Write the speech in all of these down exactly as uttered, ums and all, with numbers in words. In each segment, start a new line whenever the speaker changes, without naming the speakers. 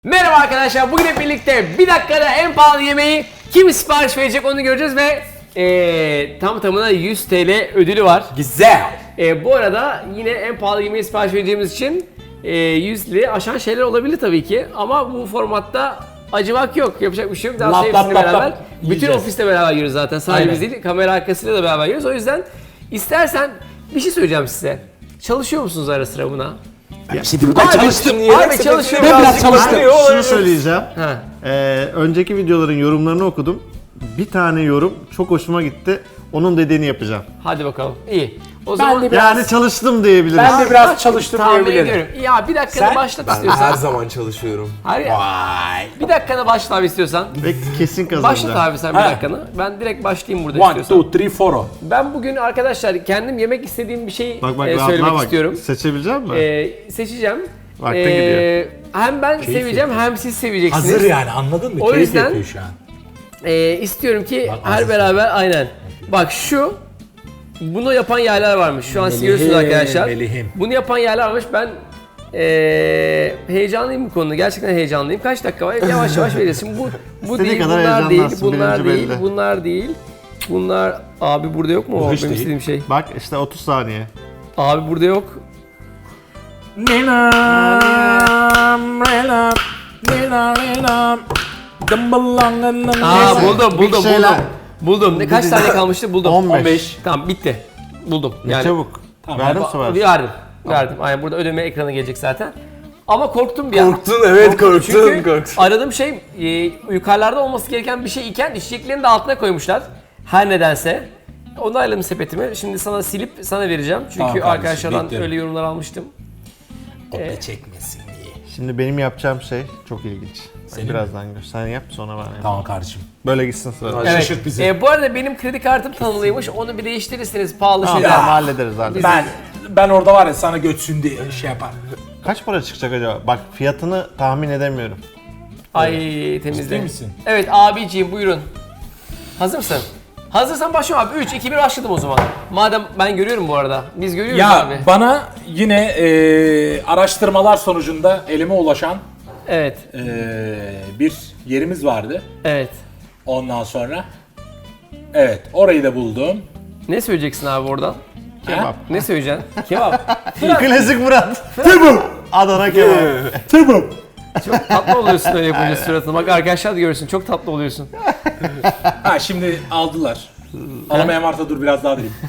Merhaba arkadaşlar, bugün hep birlikte bir dakikada en pahalı yemeği kim sipariş verecek onu göreceğiz ve ee, tam tamına yüz T L ödülü var.
Güzel.
E, bu arada yine en pahalı yemeği sipariş vereceğimiz için e, yüz lirayı aşan şeyler olabilir tabii ki ama bu formatta acımak yok, yapacak bir şey yok. Daha
Lap,
hepsini
lap, lap,
beraber,
lap.
bütün
Yiyeceğiz.
ofiste beraber yiyoruz zaten, sadece
Aynen.
biz değil, kamera arkasıyla da beraber yiyoruz. O yüzden istersen bir şey söyleyeceğim size. Çalışıyor musunuz ara sıra buna?
Ya şimdi ben
Abi,
çalıştım.
abi çalışıyorum.
Ben biraz
Birazcık
çalıştım.
bağırıyor.
Şunu söyleyeceğim.
Ha.
Ee, önceki videoların yorumlarını okudum. Bir tane yorum çok hoşuma gitti. Onun dediğini yapacağım.
Hadi bakalım. İyi. O zaman
de biraz-
Yani çalıştım diyebiliriz.
Ben de biraz çalıştım
tahmin
diyebilirim.
ediyorum. Ya bir dakikada
Sen?
başlat
Ben
istiyorsan.
her zaman çalışıyorum.
Hayır.
Vay.
Bir dakikada başla abi istiyorsan.
Ve kesin
Başlat
kazanacağım.
abi sen bir
Ha.
dakikanı. Ben direkt başlayayım burada
One,
istiyorsan.
two, three, four.
Ben bugün arkadaşlar kendim yemek istediğim bir şey
Bak bak
e,
rahatlığa
söylemek
bak.
istiyorum.
Seçebilecek misin?
E, seçeceğim.
Vaktin
E,
gidiyor.
Hem ben seveceğim hem siz seveceksiniz.
Hazır yani, anladın mı?
O
Keyif
yüzden-
yapıyor şu an.
E, istiyorum ki
Bak,
her
hazır.
beraber aynen. Bak şu bunu yapan yerler varmış. Şu an siz
Melihim,
görüyorsunuz arkadaşlar.
melihim.
Bunu yapan yerler varmış. Ben e, heyecanlıyım bu konuda. Gerçekten heyecanlıyım. Kaç dakika var? Yavaş yavaş vereceğiz. Şimdi bu bu
İstediğin
değil,
kadar
bunlar değil,
heyecanlansın,
bunlar
birinci
değil,
belli.
bunlar değil. Bunlar abi burada yok mu?
Bu
O
hiç
benim
değil.
istediğim şey.
Bak işte otuz saniye.
Abi burada yok. Aa
Neyse,
buldum,
bir
buldum,
şeyler-
buldum. Buldum. Ne kaç tane kalmıştı? Buldum.
on beş.
on beş. Tamam bitti. Buldum.
Ne çabuk. Verdim
Ba-
sever.
Verdim. Verdim. Aynen burada ödeme ekranı gelecek zaten. Ama korktum bir an.
Korktun, evet, korktun,
Çünkü
korktun.
aradığım şey e, yukarılarda olması gereken bir şey iken içeceklerini de altına koymuşlar. Her nedense. Onayladım sepetimi. Şimdi sana silip sana vereceğim. Çünkü
Tamam kardeşim,
arkadaşlardan
bekliyorum.
öyle yorumlar almıştım.
Kopya çekmesin diye.
Şimdi benim yapacağım şey çok ilginç.
Senin
Birazdan gör. Sen yap sonra ben yapayım.
Tamam kardeşim.
Böyle gitsin sıra.
Hadi.
Evet.
Şaşırt bizi.
E, bu arada benim kredi kartım tanımlıymış. Onu bir değiştirirseniz pahalı
Tamam,
şeyler.
tamam, hallederiz hallederiz.
Ben ben orada var ya, sana götsün diye şey yapar.
Kaç para çıkacak acaba? Bak fiyatını tahmin edemiyorum.
Ay temizle.
Ciddi misin?
Evet abiciğim buyurun. Hazır mısın? Hazırsan başlıyorum abi. üç, iki, bir başladım o zaman. Madem ben görüyorum bu arada. Biz görüyoruz
Ya
abi.
bana yine e, araştırmalar sonucunda elime ulaşan
Evet.
e, bir yerimiz vardı.
Evet.
Ondan sonra evet, orayı da buldum.
Ne söyleyeceksin abi oradan?
Kebap.
Ne söyleyeceksin? Kebap.
Klasik Murat.
Kebap.
Adana kebap.
Kebap.
Çok tatlı oluyorsun öyle yapınca suratına. Bak arkadaşlar da görsün. Çok tatlı oluyorsun.
Ha şimdi aldılar. Alamayan varsa dur biraz daha vereyim.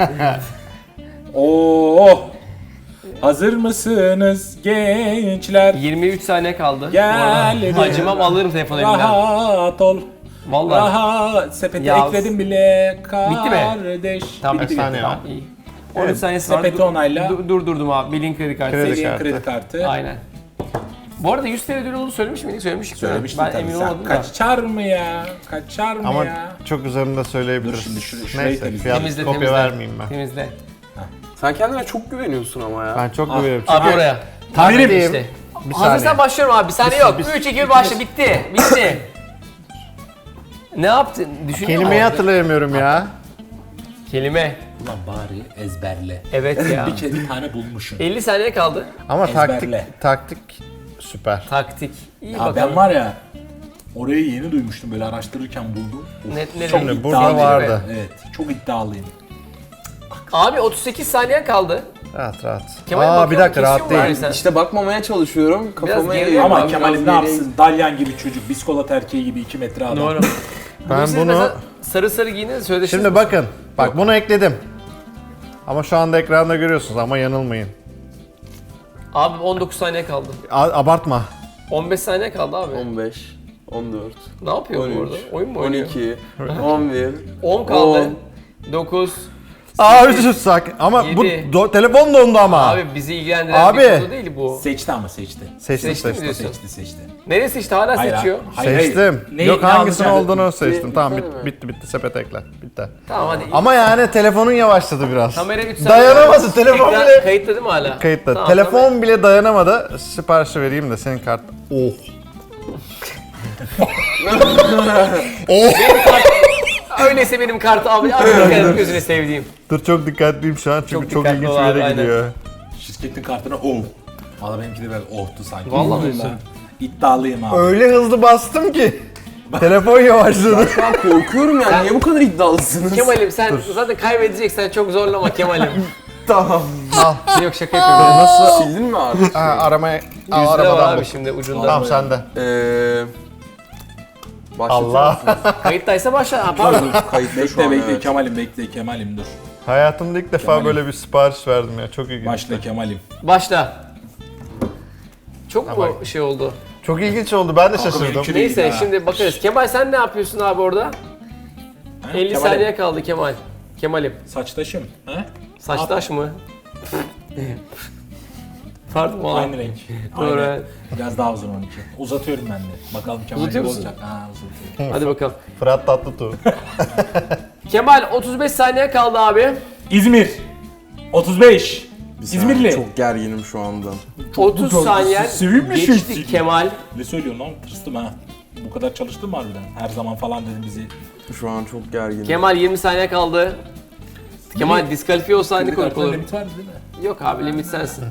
Oo. Hazır mısınız gençler?
yirmi üç saniye kaldı. bu
Gel
arada.
de.
Acımam alırım telefonu elimden.
Rahat ol.
Vallahi.
Rahat. Sepete
Ya.
ekledim bile
Bitti mi?
kardeş.
Tamam.
Kaç saniye var?
İyi. on üç saniyesi var.
sepeti
Dur-
onayla.
dur- Durdurdum abi. Bilin kredi kartı.
Kredi
Seviyen
kartı.
kredi kartı.
Aynen. Bu arada yüz T L ödülü olduğunu söylemiş miydik? Söylemiştik. değil mi?
Söylemiştim
Ben
tabii.
emin
Sen
olmadım da.
kaçar mı ya? Kaçar mı
Ama
ya?
çok üzerinde söyleyebiliriz.
Dur şimdi şurayı- şurayı
Neyse
temizle.
fiyat
Temizle,
kopya
temizle.
vermeyeyim ben.
Temizle.
Sen kendine çok güveniyorsun ama ya.
Ben çok
Ah,
güveniyorum.
Abi
Çünkü
oraya.
Tahminim.
Tabii işte.
Bir
Hazırsan
saniye.
başlıyorum abi. Bir saniye yok.
bir-
üç, iki, bir başla. Bitti. Bitti. Ne yaptın? Düşünüyor
Kelimeyi
musun?
hatırlayamıyorum ya.
Kelime.
Ulan bari ezberle.
Evet ya.
bir kere bir tane bulmuşsun.
elli saniye kaldı.
Ama
Ezberle.
taktik taktik süper.
Taktik. İyi
Ya
bakalım.
ben var ya, orayı yeni duymuştum, böyle araştırırken buldum. Of,
Ne- ne
çok
rengi?
Şimdi burada
iddialıyım.
vardı.
Evet, çok iddialıyım.
Abi otuz sekiz saniyen kaldı.
Rahat rahat.
Kemal
Aa
bakıyor,
bir dakika
kesiyor
rahat
mu abi
değil.
sen?
İşte bakmamaya çalışıyorum. Kafama
geriye
eğiyorum.
Ama
Biraz
Kemal'in ne
geriye-
yapsın? Dalyan gibi çocuk, biskolat erkeği gibi iki metre adam.
Doğru.
Ben
Siz
bunu
mesela sarı sarı giyiniz sözleştiniz.
şimdi bakın. Bak bunu ekledim. Ama şu anda ekranda görüyorsunuz ama yanılmayın.
Abi on dokuz saniye kaldı.
A- abartma.
on beş saniye kaldı abi.
on beş, on dört,
Ne yapıyor bu
on
arada?
üç,
Oyun mu
on
oynuyor?
iki, on bir,
on kaldı.
on.
dokuz.
Aa özür sakin. Ama bu
Yedi.
do- telefon dondu ama.
Abi bizi ilgilendiren
Abi.
bir konu değil bu.
Seçti ama seçti.
seçtim
Seçtin mi
seçtim.
diyorsun?
Seçti seçti.
Neresi işte hala
Hayır,
seçiyor.
hayır, hayır.
Seçtim.
Ne-
Yok
ne
hangisinin
alacağını-
olduğunu seçtim.
Bir-
Tamam
bir
bit-
tane mi?
bitti bitti sepet ekle. Bitti.
Tamam hadi.
Ama yani telefonun yavaşladı biraz.
Kamera üç saniye.
Dayanamadı telefon
Ekran
bile.
kayıtlı değil mi hala?
Kayıtta.
Tamam,
telefon
tamam.
bile dayanamadı. Siparişi vereyim de senin kart. Oh. oh.
Öyleyse benim kartı abi. Abi dikkat et, gözüne sevdiğim.
Dur çok dikkatliyim şu an çünkü
Çok
çok,
dikkatli
ilginç
ol
bir
abi,
yere
aynen.
gidiyor.
Şirketin kartına oh. Valla benimki de biraz ohtu sanki.
Vallahi diyorsun.
İddialıyım abi.
Öyle hızlı bastım ki. Telefon yavaşladı.
Şu an korkuyorum yani. Niye bu kadar iddialısınız?
Kemal'im sen zaten kaybedeceksen çok zorlama Kemal'im.
Tamam.
Al.
Yok şaka yapıyorum.
Nasıl?
Sildin mi artık?
Ha, aramaya al,
Yüzde var
arabadan
abi
bul.
şimdi ucunda.
Tamam sende.
Eee... Başlatıyor
Allah.
musunuz?
Kayıttaysa başla. Ha, pardon.
Kayıtta şu
Bekle
an
bekle
evet.
Kemal'im bekle Kemal'im dur.
Hayatımda ilk defa
Kemal'im.
böyle bir sipariş verdim ya. Çok ilginç.
Başla Kemal'im.
Başla. Çok mu şey oldu?
Çok ilginç oldu. Ben de şaşırdım.
benimki de-
Neyse
ha.
şimdi bakarız. Kemal sen ne yapıyorsun abi orada?
Ha,
elli
Kemal'im.
saniye kaldı Kemal. Kemal'im.
Saçtaşım. Ha?
Saçtaş mı? Pardon oğlum.
Aynı renk.
Doğru.
Aynı. Biraz daha uzun onunki. Uzatıyorum ben de. Bakalım Kemal
Uzatıyor
ne
musun?
olacak. Ha uzatıyorum.
Hadi bakalım.
Fırat Tatlıtuğ.
Kemal otuz beş saniye kaldı abi.
İzmir. otuz beş. İzmirli.
Çok gerginim şu anda.
otuz
çok-
saniye
sevimli
geçti
şey.
Kemal.
Ne söylüyorsun lan? Tırstım ha. Bu kadar çalıştın mı harbiden? Her zaman falan dedim bizi.
Şu an çok gerginim.
Kemal yirmi saniye kaldı. Kemal diskalifiye olsa aynı konuk olur.
Limit var değil mi?
Yok abi limit sensin.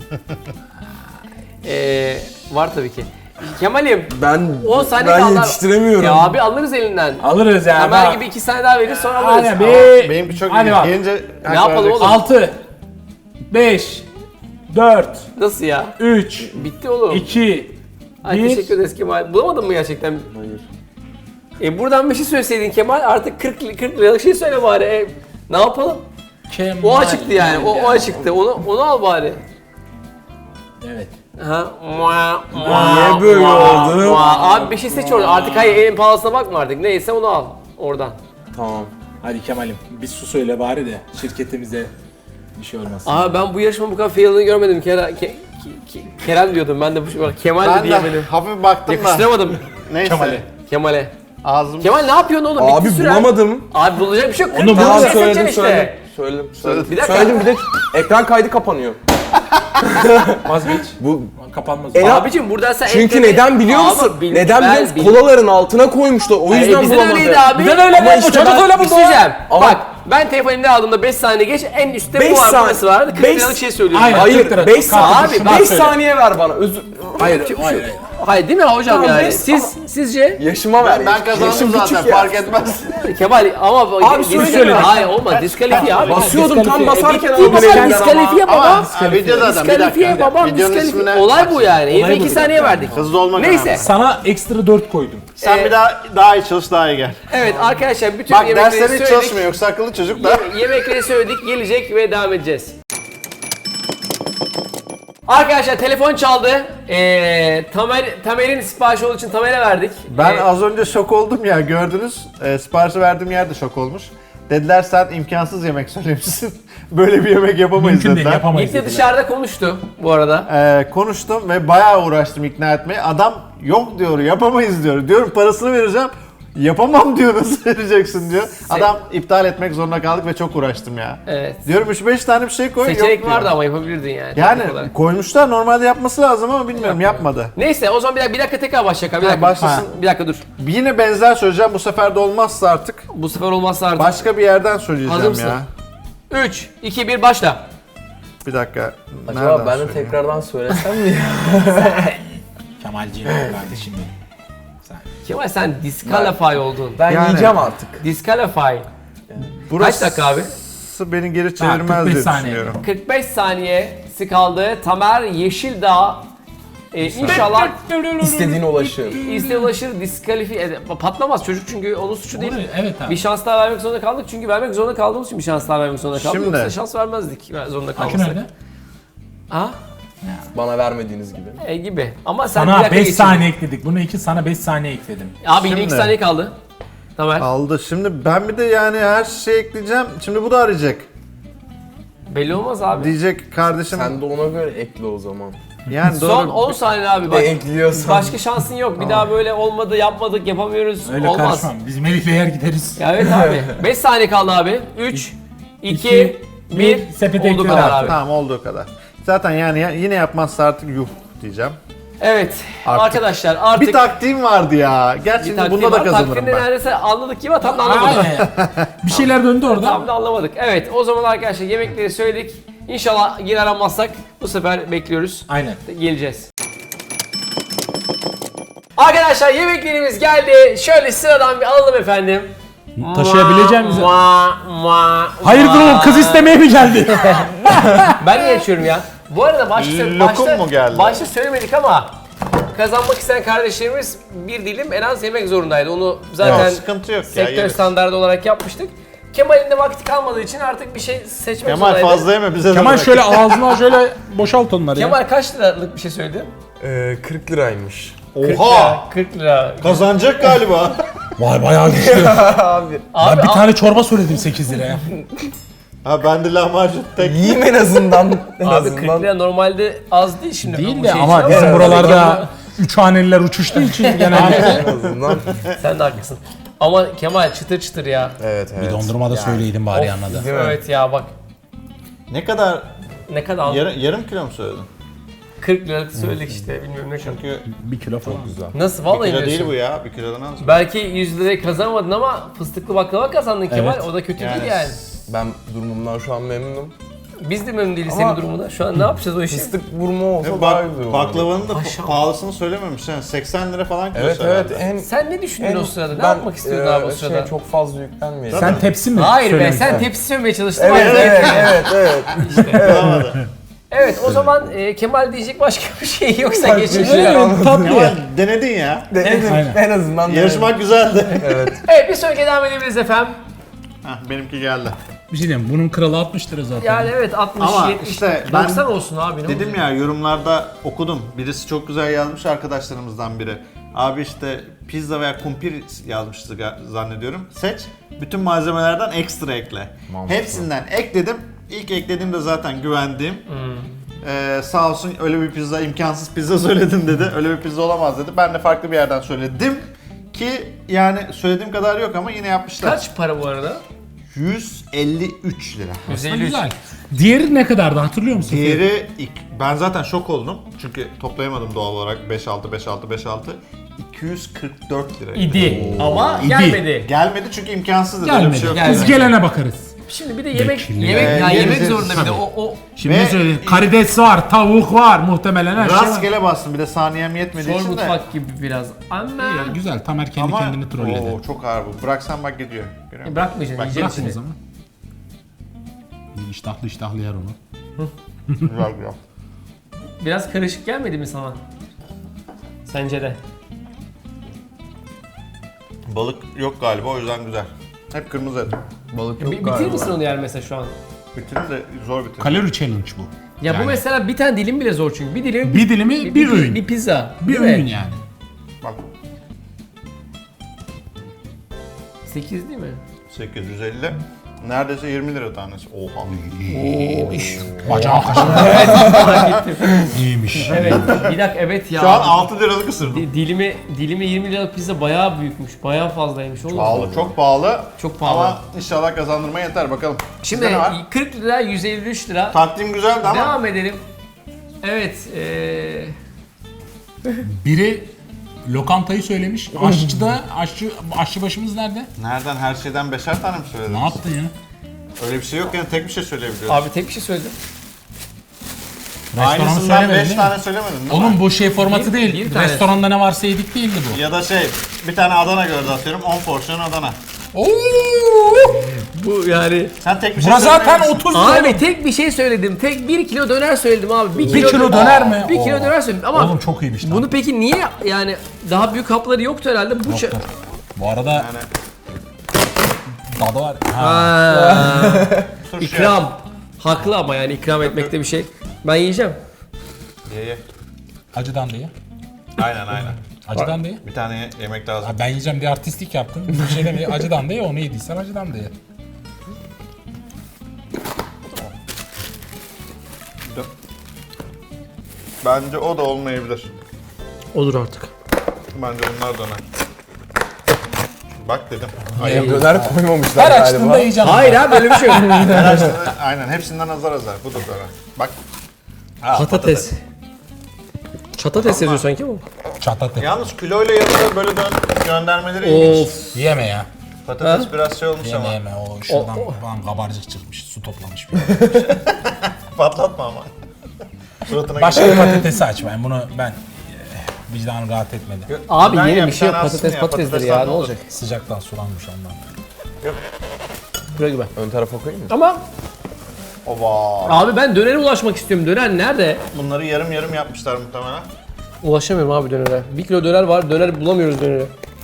Ee, var tabii ki. Kemal'im
Ben
on saniye
ben
kaldı.
yetiştiremiyorum.
Ya abi alırız elinden.
Alırız ya.
Kemal gibi iki saniye daha verir sonra alırız.
Aynen be.
Benimki çok
Hadi
ilginç.
bak.
Gelince
Ne yapalım oğlum?
altı. beş. dört.
Nasıl ya?
üç.
Bitti oğlum.
iki.
Ay,
bir.
teşekkür ederiz Kemal. Bulamadın mı gerçekten?
Hayır.
E buradan bir şey söyleseydin Kemal artık kırk, kırk liralık şey söyle bari. E, ne yapalım?
Kemal.
O açıktı yani. O, o açıktı. Onu, onu al bari.
Evet.
Ha? Mua,
Niye böyle
mua,
oldu?
mua. Abi bir şey seç orada. Artık hayır en pahalısına bakma artık. Neyse onu al. Oradan.
Tamam.
Hadi Kemal'im bir su söyle bari de şirketimize bir şey olmasın.
Abi ben bu yarışmanın bu kadar failini görmedim. Kerem, ke, ke, ke, Kerem diyordum ben de bu şey. Kemal de
ben de
diyemedim.
hafif baktım da.
Yakıştıramadım
Neyse.
Kemal'e.
Kemal'e.
Ağzım.
Kemal ne yapıyorsun oğlum?
Abi
Bitti süren.
bulamadım.
Abi bulacak bir şey yok.
Onu
kırk
bul.
tane
Tamam,
şey
söyledim
seçeceksin
söyledim.
işte.
Söyledim. Söyledim.
Bir dakika.
Söyledim bir de ekran kaydı kapanıyor.
Vazgeç.
Bu
Kapanmaz.
En-
Abicim buradan sen
çünkü
eklemeyi-
neden biliyor
Abi,
musun?
bil-
neden
ben
biliyor musun?
bil-
Kolaların altına koymuşlar. O
Ee,
yüzden
bizden
bulamadı.
öyleydi abi.
Bizden öyle
Ama
mi?
işte
Çocuk
bak,
öyle
bir
buldu.
şey diyeceğim.
Ama-
Bak ben telefonu elimde aldığımda beş saniye geç en üstte
Beş
bu var
saniye-
burası vardı. kırk
beş-
liralık şey söylüyorum.
Aynen.
Hayır
kırk lira.
beş
Abi,
saniye,
şundan
beş
söyle.
saniye ver bana. Özür...
Hayır, hayır, hayır.
Hayır değil mi hocam
Tamam,
yani?
beş-
Siz sizce
Yaşıma ver.
Ben, ben kazandım
Yaşım
zaten
küçük ya.
fark etmez.
Kemal ama
Abi söyle.
diskalifiye- Hayır olmaz diskalifiye abi.
Basıyordum tam basarken
Bitti
aldın
baba
elinden
diskalifiye
ama-
baba.
Ha, video zaten bir
Diskalifiye
dakika.
babam
Videonun
diskalifiye.
ismine-
Olay bu yani. Yirmi
bu
iki
bir
saniye verdik.
Hızlı olmak
Neyse.
önemli.
Sana ekstra dört koydum.
Sen
Ee,
bir daha daha iyi çalış, daha iyi gel.
Evet arkadaşlar bütün
Bak
yemekleri
dersler hiç
söyledik.
çalışmıyor yoksa akıllı çocuk da.
Ye- yemekleri söyledik, gelecek ve devam edeceğiz. Arkadaşlar telefon çaldı. Ee, Tamer, Tamer'in siparişi olduğu için Tamer'e verdik.
Ben
Ee,
az önce şok oldum ya gördünüz. E, siparişi verdiğim yer de şok olmuş. Dediler sen imkansız yemek söylemişsin. Böyle bir yemek yapamayız
Mümkün değil
dediler.
yapamayız.
İlk de
dediler.
dışarıda konuştu bu arada.
Ee, konuştum ve bayağı uğraştım ikna etmeye. Adam yok diyor, yapamayız diyor. Diyorum parasını vereceğim. Yapamam diyor, nasıl vereceksin diyor. Adam iptal etmek zorunda kaldık ve çok uğraştım ya.
Evet.
Diyorum üç beş tane bir şey koy,
Seçenek
yok diyor.
vardı ama yapabilirdin yani.
Yani
teknik olarak.
koymuşlar, normalde yapması lazım ama bilmiyorum, yapmadı.
Neyse o zaman bir dakika, bir dakika tekrar başlayalım. Bir
Ha,
dakika,
başlasın.
bir dakika dur.
Yine benzer söyleyeceğim, bu sefer de olmazsa artık
Bu sefer olmazsa artık.
başka bir yerden söyleyeceğim
Hazır mısın?
ya.
üç, iki, bir başla.
Bir dakika.
Acaba
nereden
ben de
söyleyeyim?
tekrardan söylesem mi ya?
Kemalciğim kardeşim benim. Sen.
Kemal sen disqualify oldun.
Ben
Yani-
yiyeceğim artık.
Disqualify.
Burası
Kaç dakika abi?
beni geri
Ha,
çevirmez
kırk beş
diye
saniye.
düşünüyorum.
kırk beş saniyesi kaldı. Tamer Yeşildağ e, inşallah
İstediğine ulaşır.
İzle ulaşır, diskalifiye ede- patlamaz çocuk çünkü onun suçu değil.
Doğru, evet abi.
Bir şans daha vermek zorunda kaldık çünkü vermek zorunda kaldığımız için bir şans daha vermek zorunda kaldık.
Şimdi-
Yoksa şans vermezdik ver- zorunda
Akü
kalmasak.
nerede?
Ha?
Bana vermediğiniz gibi.
E gibi. Ama sen bir
Sana
dakika
beş
geçin.
saniye ekledik. Bunu iki sana beş saniye ekledim.
Abi yine iki
Şimdi-
saniye kaldı. Tamer.
Aldı. Şimdi ben bir de yani her şeyi ekleyeceğim. Şimdi bu da arayacak.
Belli olmaz abi.
Diyecek kardeşim.
Sen de ona göre ekle o zaman.
Yani doğru.
Son on saniye abi
Bir
bak.
de ekliyorsan.
Başka şansın yok. Bir daha böyle olmadı, yapmadık, yapamıyoruz.
Öyle
olmaz.
karışmam. Biz Melih'le yer gideriz.
Ya evet abi. beş saniye kaldı abi. üç, iki,
İki,
bir.
bir, sepete
Olduğu
ekliyorum.
kadar abi.
Tamam, olduğu kadar. Zaten yani ya- yine yapmazsa artık yuh diyeceğim.
Evet.
Artık-
Arkadaşlar artık
Bir taktiğim vardı ya. Gerçi
bir taktiği
bunda da
var.
kazanırım
Taktiğini
ben.
neredeyse anladık gibi tam da anlamadık.
Aynen. Bir şeyler döndü orada.
Tam da anlamadık. Evet o zaman arkadaşlar yemekleri söyledik. İnşallah yine aramazsak bu sefer bekliyoruz.
Aynen.
Geleceğiz. Arkadaşlar yemeklerimiz geldi. Şöyle sıradan bir alalım efendim.
Taşıyabileceğim bize.
Mua, mua,
Hayırdır
mua.
oğlum, kız istemeye mi geldi?
Ben niye açıyorum ya? Bu arada başta,
Lokum
başta,
mu geldi?
başta söylemedik ama kazanmak isteyen kardeşlerimiz bir dilim en az yemek zorundaydı. Onu zaten
Yok, sıkıntı yok ya,
sektör
yeriz.
standardı olarak yapmıştık. Kemal'in de vakti kalmadığı için artık bir şey seçmek
Kemal
zorundaydı.
fazla yeme bize de
Kemal
bırak.
şöyle ağzına şöyle boşalt onları ya.
Kemal kaç liralık bir şey söyledi?
Ee, kırk liraymış.
Oha!
kırk lira.
Kazanacak galiba.
Vay bayağı güçlü.
Abi.
Abi,
Ben bir
al-
tane çorba söyledim sekiz liraya.
Ha ben de lahmacun tek.
Yiyeyim en azından. En
Abi
azından.
kırk lira normalde az değil şimdi.
Değil
bu
de
şey
ama
için
bizim
ama-
buralarda üç haneliler uçuştuğu için genelde.
En azından.
Sen de haklısın. Ama Kemal çıtır çıtır ya.
Evet evet.
Bir dondurma da söyleydin bari anladı.
Değil mi?
Evet ya bak
Ne kadar?
ne kadar aldın?
Yarım, yarım kilo mu söyledin?
kırk liralık söyledik işte bilmiyorum ne kadar.
Çünkü
Bir kilo falan.
Güzel.
Nasıl
bir
vallahi
kilo değil
diyorsun?
bu ya. Bir kilodan az.
Belki yüz lirayı kazanamadın ama fıstıklı baklava kazandın Kemal.
Evet.
O da kötü
Yani
değil yani.
Ben durumumdan şu an memnunum.
Biz de memnun değiliz
Ama-
senin durumuna. Şu an ne yapacağız o işi?
Fıstık vurma olsa
Ve
daha
bak,
güzel olur.
baklavanın da
Aşağı.
pahalısını söylememiş. Yani seksen lira falan kilosu
Evet evet.
herhalde.
En,
Sen ne düşündün
en,
o sırada? Ne
ben,
yapmak istiyordun
e,
abi o sırada?
Şey, çok fazla yüklenmeyelim.
Sen tepsi mi?
Hayır be
söylemiştin?
sen tepsi sövmeye çalıştın.
Evet
Hayır,
evet
evet.
evet evet.
Bulamadı.
Evet o zaman e, Kemal diyecek başka bir şey yoksa
Başka bir
geçelim.
şey yok.
Evet, tatlı
Kemal
ya.
denedin ya.
Denedim.
Aynen.
En azından
Yarışmak güzeldi.
Evet.
Evet bir sonraki devam edebiliriz efendim.
Hah, benimki geldi.
Bir şey diyeyim, bunun kralı altmış lira zaten.
Yani evet altmış,
Ama
yetmiş,
işte ben
doksan olsun abi ne
Dedim
olacak?
ya yorumlarda okudum. Birisi çok güzel yazmış arkadaşlarımızdan biri. Abi işte pizza veya kumpir yazmıştı ga- zannediyorum. Seç. Bütün malzemelerden ekstra ekle.
Mantıklı.
Hepsinden ekledim. İlk eklediğimde zaten güvendiğim. Ee, sağ olsun öyle bir pizza, imkansız pizza söyledin dedi. Öyle bir pizza olamaz dedi. Ben de farklı bir yerden söyledim. Ki yani söylediğim kadar yok ama yine yapmışlar.
Kaç para bu arada?
yüz elli üç lira.
yüz
Aslında
elli üç.
güzel. Diğeri ne kadardı hatırlıyor musun?
Diğeri ilk- ben zaten şok oldum. Çünkü toplayamadım doğal olarak beş altı beş altı beş altı. iki yüz kırk dört lira.
İdi ama
İdi.
gelmedi.
Gelmedi çünkü imkansız dedi. Öyle bir
Gelmedi.
şey yok.
Gelmedi.
Biz gelene bakarız.
Şimdi bir de yemek
Bekliyor.
yemek
Ee,
ya
yeriz,
yemek
yeriz.
zorunda bir de
Tabii.
o o
Şimdi
Ve-
ne söyleyeyim? Karides var, tavuk var, muhtemelen her şey var.
Rastgele bastım bir de saniyem yetmediği
zor
için de.
mutfak gibi biraz. Ama
Ya, güzel, Tamer kendi
Ama
kendini trolledi.
Oo, çok ağır bu. Bıraksan bak gidiyor. Görüyor musun?
bırakmayacaksın
Bak,
yiyeceksin
Bırakın o
içini.
zaman. İştahlı iştahlı yer onu.
Güzel güzel.
Biraz karışık gelmedi mi sana? Sence de.
Balık yok galiba o yüzden güzel. Hep kırmızı et.
Balık
Bir,
yok
bitirir
galiba.
misin onu yer mesela şu an?
Bitirin de zor bitirin.
Kalori challenge bu.
Ya bu
Yani.
mesela bir tane dilim bile zor çünkü. Bir dilim
Bir dilimi bir, öğün.
Bir pizza.
bir
değil mi?
öğün yani.
Bak
sekiz değil mi?
sekiz yüz elli. Neredeyse yirmi lira tanesi. Oha.
Oo iş.
Bacağı kaşığı.
Fark ettim.
İyiymiş.
Evet. Bir dakika evet ya.
Şu an altı liralık ısırdım.
Di- dilimi dilimi yirmi liralık pizza bayağı büyükmüş. Bayağı fazlaymış oğlum.
Pahalı, çok pahalı.
Çok pahalı.
Ama inşallah kazandırmaya yeter bakalım.
Şimdi
Sizde ne var?
kırk lira yüz elli üç lira.
Takdim güzeldi ama
Devam edelim. Evet. Eee
Biri lokantayı söylemiş. Aşçı da, aşçı, aşçı başımız nerede?
nereden her şeyden beşer tane mi söyledin?
Ne yaptın ya?
Öyle bir şey yok yani tek bir şey söyleyebiliyoruz.
abi tek bir şey söyledim.
Restoranı
Aynısından
söylemedin
beş
değil mi?
tane söylemedin değil mi?
Oğlum bu şey formatı
Bir-
değil.
bir tanesi.
Restoranda ne varsa yedik değildi bu.
Ya da şey bir tane Adana gördü atıyorum on porsiyon Adana.
Oo!
Bu yani.
Sen tek bir şey
Bura zaten
söyleyebilirsin.
otuz lira.
Abi tek bir şey söyledim. Tek bir kilo döner söyledim abi. Bir
Bir kilo döner mi?
Bir kilo
Oo.
döner söyledim ama
Oğlum çok iyiymiş lan.
bunu peki niye yani daha büyük kapları yoktu herhalde bu ça-
Bu arada
Yani
tadı var. Ha.
Ha.
turşu
İkram. Haklı ama yani ikram etmekte bir şey. Ben yiyeceğim.
Ye ye.
Acıdan diye.
Aynen aynen.
Acıdan diye.
Bir tane ye- yemek lazım.
Ha, ben yiyeceğim diye artistlik yaptın. Bir şey demeye acıdan diye onu yediysen acıdan diye.
Bence o da olmayabilir.
Olur artık.
Bence bunlar döner. Bak dedim.
Ay,
Döner koymamışlar
Her
galiba.
açtığında yiyeceğim.
Hayır abi böyle bir şey yok.
Her açtığında- aynen hepsinden azar azar. Bu da döner. Bak. Ha,
Patates. Çatates yazıyor sanki bu.
Çatatı.
Yalnız kiloyla yanında böyle dön göndermeleri ilginç.
Of.
Yeme ya.
Patates
Ha?
biraz şey olmuş
Yeme
ama.
yeme. O şuradan
O- o-
falan kabarcık çıkmış. Su toplamış bir.
Patlatma ama. Suratına
Başka bir patatesi aç ben bunu ben Vicdanım rahat etmedi.
Abi
Ben
yeni
ya,
bir
bir
şey yok.
tane
Patates
aslında ya,
patatesdir
patatesten
ya.
ne
Ne olacak?
Sıcaktan sulanmış ondan.
Buraya gibi.
Ön tarafa koyayım mı?
Ama
Ova.
abi ben dönere ulaşmak istiyorum. Döner nerede?
Bunları yarım yarım yapmışlar muhtemelen.
Ulaşamıyorum abi dönere. Bir kilo döner var. Döner bulamıyoruz döneri.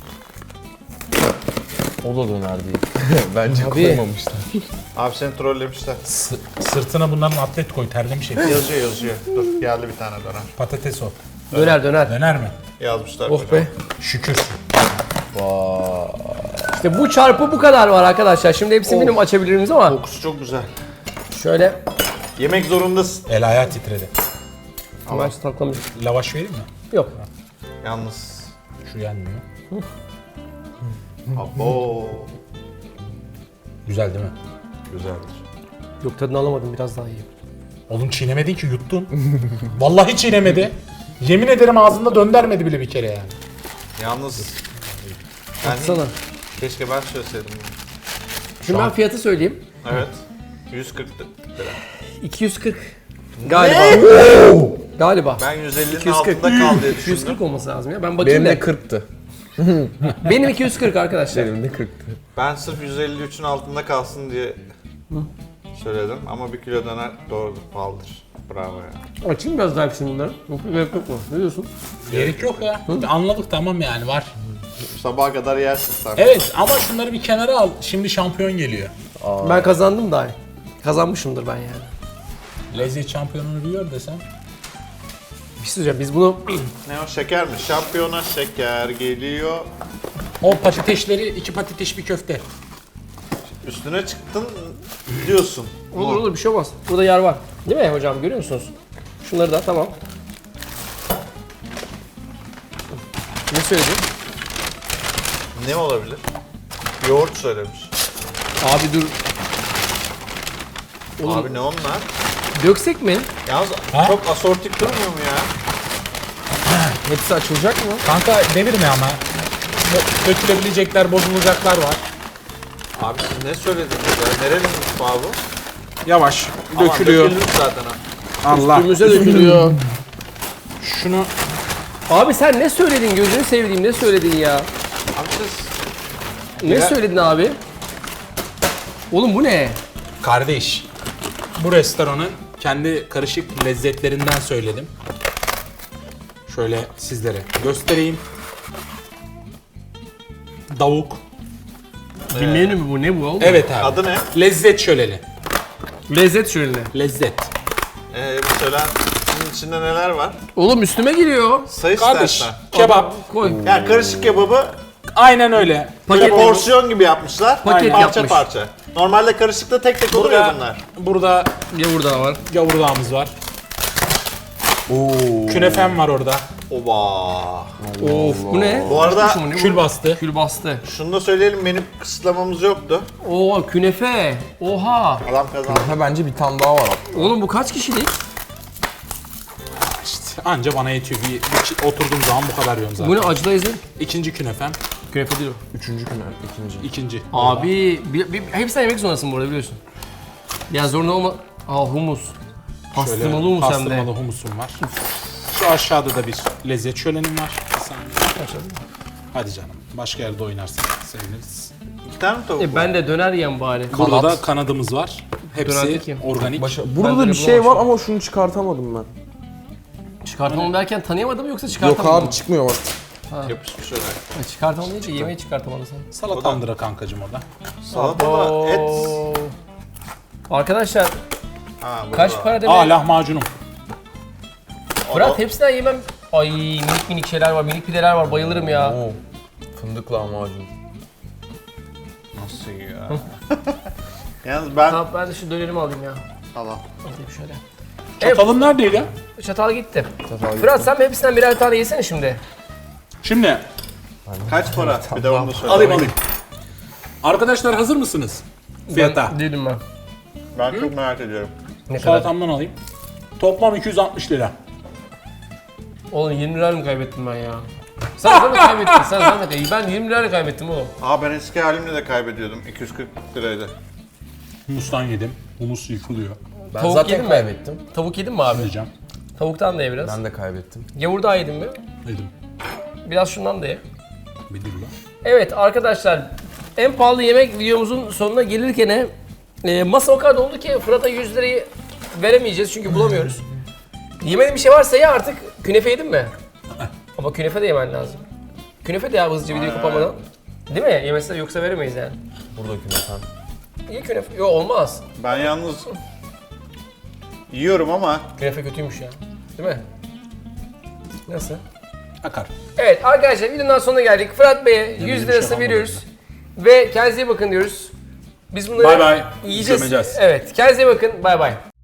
O da döner değil. Bence
Abi.
koymamışlar.
Abi seni trollemişler.
S- sırtına bunların atlet koy terlemiş hep.
Yazıyor yazıyor. Dur geldi bir tane döner.
Patates o.
Döner döner.
Döner mi?
Yazmışlar.
Oh
kocaman.
be.
Şükür.
İşte bu çarpı bu kadar var arkadaşlar. Şimdi hepsini benim açabiliriz ama
Kokusu çok güzel.
şöyle
Yemek zorundasın.
El ayağı titredi.
hemen taklamış.
Lavaş vereyim mi?
Yok.
Yalnız.
Şu yenmiyor.
Abo.
Güzel değil mi?
Güzeldir.
Yok tadını alamadım biraz daha iyi.
Oğlum çiğnemedin ki yuttun. Vallahi çiğnemedi. Yemin ederim ağzında döndermedi bile bir kere yani.
Yalnız. Yani
Baksana.
keşke ben söyleseydim.
Şimdi ben fiyatı söyleyeyim.
Evet. yüz kırk lira.
iki yüz kırk. Galiba. Galiba.
Ben yüz ellinin
iki yüz kırk.
altında kaldı diye
iki yüz
düşündüm.
kırk olması lazım ya. Ben bakayım
Benim
da.
de kırktı.
Benim iki yüz kırk arkadaşlar.
Benim de kırktı.
Ben sırf yüz elli üçün altında kalsın diye söyledim ama bir kilo döner doğrudur, pahalıdır. Bravo ya.
Açayım biraz daha hepsini bunları. Yok gerek yok mu? Ne diyorsun?
Gerek yok ya. Anladık tamam yani var.
Sabaha kadar yersin sen.
Evet ama şunları bir kenara al. Şimdi şampiyon geliyor.
Ben kazandım daha. Kazanmışımdır ben yani.
Lezzet şampiyonunu biliyor desem.
Bir şey söyleyeceğim. Biz bunu
Ne o şeker mi? Şampiyona şeker geliyor.
O patatesleri iki patates bir köfte.
Üstüne çıktın diyorsun.
olur olur bir şey olmaz. Burada yer var. Değil mi hocam? Görüyor musunuz? Şunları da tamam. Ne söyledin?
Ne olabilir? Yoğurt söylemiş.
Abi dur. Oğlum
Abi ne onlar?
döksek mi?
Yalnız
Ha?
çok asortik durmuyor mu ya?
Hepsi açılacak mı?
Kanka devirme ama. Bo- Dökülebilecekler, bozulacaklar var.
Abi siz ne söylediniz ya? Nerenin mutfağı bu?
Yavaş.
Aman,
Dökülüyor.
dökülmüş zaten ha.
Allah.
Üstümüze dökülüyor.
Şunu
Abi sen ne söyledin? Gözünü sevdiğim ne söyledin ya?
Abi siz
Ne
Ya-
söyledin abi? Oğlum bu ne?
kardeş. Bu restoranın kendi karışık lezzetlerinden söyledim. Şöyle sizlere göstereyim. Davuk.
Bir menü mü bu? Ne bu oğlum?
Evet abi.
adı ne?
Lezzet şöleni.
Lezzet şöleni.
Lezzet.
Ee, bir söyler. Bunun içinde neler var?
Oğlum üstüme giriyor.
Sayı
Kardeş.
istersen.
Kebap.
Koy.
Yani karışık kebabı
Aynen öyle.
böyle
Paket
porsiyon gibi yapmışlar.
Paket
parça
yapmış.
parça. Normalde karışıkta tek tek olur ya
Burada,
bunlar.
burada
Gavur da var.
gavurdağımız var. Künefem var orada.
Oba.
Of bu ne?
Bu arada
Kuşmuş mu, ne bu?
Kül bastı.
Kül bastı.
şunu da söyleyelim, benim kısıtlamamız yoktu.
Oo künefe. Oha.
Adam kazandı.
Ha bence bir tane daha var.
Oğlum bu kaç kişilik?
İşte anca bana yetiyor. Bir, bir oturduğum zaman bu kadar yiyorum zaten.
Bu ne acılı ezin?
İkinci künefem.
Künefe değil o.
Üçüncü gün, ikinci.
İkinci.
Abi bir, bir, hepsinden yemek zorundasın bu arada biliyorsun. Ya zorunda olma... Aa humus. Pastırmalı humus hem de.
Pastırmalı humusum var. Şu aşağıda da bir lezzet şölenim var. Bir saniye. Hadi canım. Başka yerde oynarsak seviniriz.
İki tane mi tavuk
E
var?
ben de döner yiyeyim bari.
Burada da kanadımız var.
Döner
Hepsi
kim?
organik.
Başa...
Ben
Burada da
de
bir şey
bulamamışım.
var ama şunu çıkartamadım ben.
Çıkartamam derken tanıyamadım yoksa
Yok
çıkartamadım
abi çıkmıyor bak.
Yapışmış öyle.
mı? Çıkartamam deyince yemeği çıkartamadı sen.
Salatandıra kankacım o da.
Salata da et.
Oo. Arkadaşlar
Ha, burada
kaç
var.
para
Aa
demek?
lahmacunum.
Fırat hepsinden yemem. Ay minik minik şeyler var, minik pideler var. Bayılırım ya.
Oo. Fındık lahmacun.
Nasıl ya? Yalnız ben...
Tamam ben de şu dönerimi alayım ya.
Allah.
Alayım şöyle.
Çatalın neredeydi?
Çatal gitti.
Çatal
Fırat sen hepsinden birer tane yesene şimdi.
Şimdi
Kaç para? Bir de onu da söyle.
alayım alayım. Arkadaşlar hazır mısınız? Fiyata.
Ben, değilim ben.
Ben çok merak ediyorum.
Ne kadar?
Salatamdan alayım. Toplam iki yüz altmış lira.
Oğlum yirmi lira mı kaybettim ben ya? Sen zahmet kaybettin, sen zahmet kaybettin. Ben yirmi lira kaybettim oğlum.
Aa ben eski halimle de kaybediyordum. iki yüz kırk liraydı.
Humustan yedim. Humus yıkılıyor.
Ben
Tavuk
zaten
yedin mi?
kaybettim.
Tavuk yedin mi abi?
Yiyeceğim.
Tavuktan da ye biraz.
Ben de kaybettim.
Gavur daha yedin mi?
Yedim.
Biraz şundan da ye.
Bir dur lan.
Evet arkadaşlar, en pahalı yemek videomuzun sonuna gelirken e, masa o kadar doldu ki Fırat'a yüz lirayı veremeyeceğiz çünkü bulamıyoruz. Yemediğin bir şey varsa ya artık. Künefe yedin mi? Ama künefe de yemen lazım. Künefe de ya hızlıca videoyu kapamadan. Değil mi? Yemezse yoksa veremeyiz yani.
Burada künefen.
İyi künefe. Yok olmaz.
Ben yalnız yiyorum ama
Künefe kötüymüş ya. Değil mi? Nasıl?
Akar.
Evet arkadaşlar videonun sonuna geldik. Fırat Bey'e yüz
bir şey
lirası
yapamadım
veriyoruz. Ve kendinize iyi bakın diyoruz. Biz bunları
Bay bay.
yiyeceğiz.
Gömeceğiz.
Evet kendinize iyi bakın. Bay bay.